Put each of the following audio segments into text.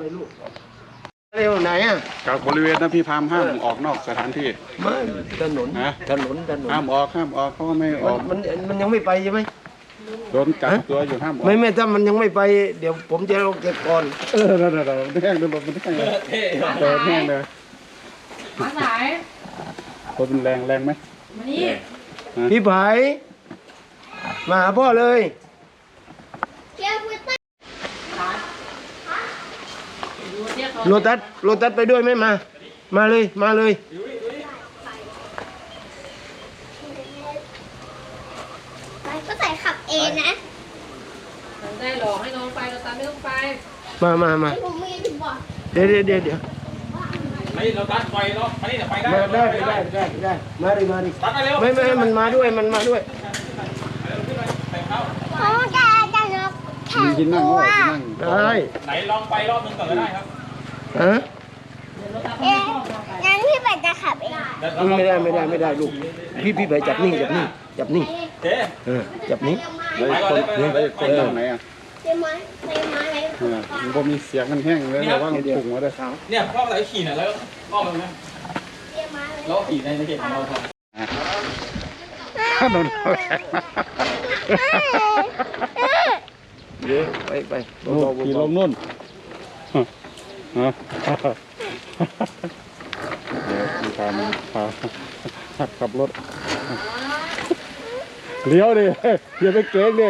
เลยลูกเร็วไหนอ่ะกับบริเวณนั้นพี่พามห้ามออกนอกสถานที่ไม่ถนนห้ามออกเขาก็ไม่ออกมันยังไม่ไปใช่ไหมโดนกักตัวอยู่ห้ามออกไม่ถ้ามันยังไม่ไปเดี๋ยวผมจะลงเก็บก่อนนั่นแห้งเลยมันแห้งเลยแห้งเลยมาสายคนเป็นแรงไหมมานี่พี่ไผ่มาหาพ่อเลยโรตัสไปด้วยไหมมาเลยก็ใส่ขับเองนะได้หลอกให้น้องไปเราตามไม่ต้องไปมาผมไม่ถึงบอกเดี๋ยวไม่เราตัดไฟเนาะอันนี้ไปได้มาดิไม่มันมาด้วยเพราะว่าแกจะนกแข็งตัวได้ไหนลองไปรอบนึงก่อนก็ได้ครับงั้นพี่เป็ดจะขับเองไม่ได้ลูกพี่ไปจับนี่เจ๊จับนี่ไปคนตรงไหนอ่ะเต็มไม้เลยมันก็มีเสียงมันแห้งเลยแต่ว่ามันปุ่งมาด้วยเนี่ยพ่ออะไรขี่น่ะแล้วพ่อมันนะแล้วขี่ในเขตของเราครับโดนเยอะไปขี่ลงนู่นเดี๋ยวมีการขับรถเลี้ยวดิอย่าไปเก๊กดิ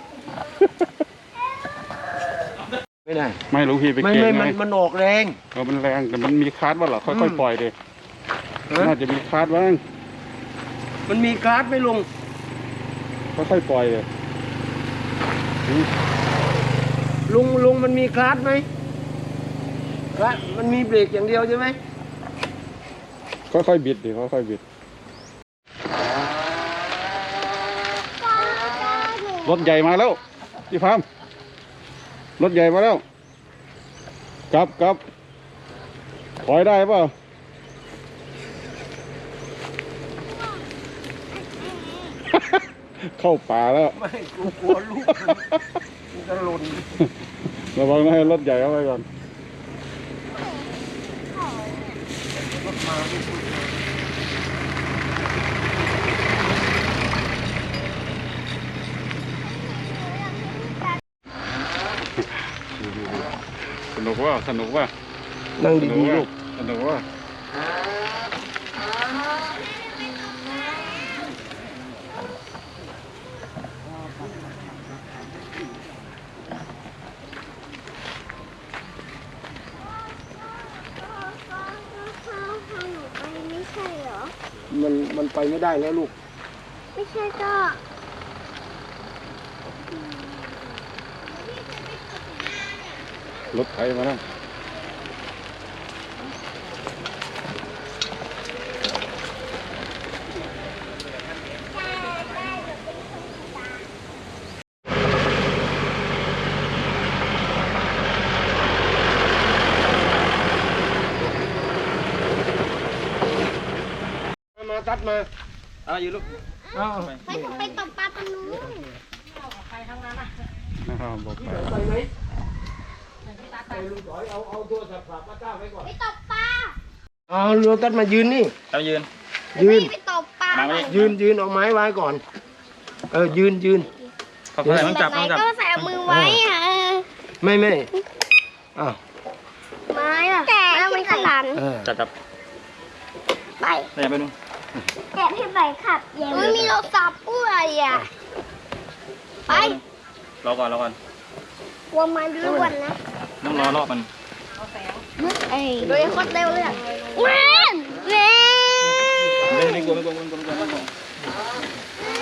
ไม่ได้ไม่รู้พี่ไปเก๊กไงมันออกแรงมันแรงแต่มันมีคาร์ดว่าหรอค่อยๆปล่อยดิน่าจะมีคาร์ดบ้างมันมีคาร์ดไม่ลงค่อยๆปล่อยเลยลุงมันมีคาร์ดไหมคาร์ดมันมีเบรกอย่างเดียวใช่ไหมค่อยๆบิดดิค่อยๆบิดรถใหญ่มาแล้วพี่พามรถใหญ่มาแล้วกลับถอยได้เปล่าเข้าป่าแล้วไม่กลัวลูกมันจะหล่นระวังนะให้รถใหญ่เข้าไปก่อนสนุกว่านั่งดีๆลูกสนุกว่ามันไปไม่ได้แล้วลูกไม่ใช่ก็รถไถมาแล้วตัดมาอยู่ลูกไม่ต้องไปตบปลาตรงนู้นไปทางนั้นอ่ะนะครับบอกไปไหมไปลูกถอยเอาตัวสับมาก้าวไว้ก่อนไปตบปลาโรตัสมายืนนี่ยืนไปตบปลายืนเอาไม้ไว้ก่อนยืนเขาใส่ต้องจับก็ใส่มือไว้ค่ะไม่ไม้อะแต่ไม่ขลันจับไปไปดูแต่พี่ใบขับไม่มีรถซับด้วยอ่ะไปรอก่อนกลัวมันล้วนนะต้องรอบมันโดยโคตรเร็วเลยเว้นไม่กลัว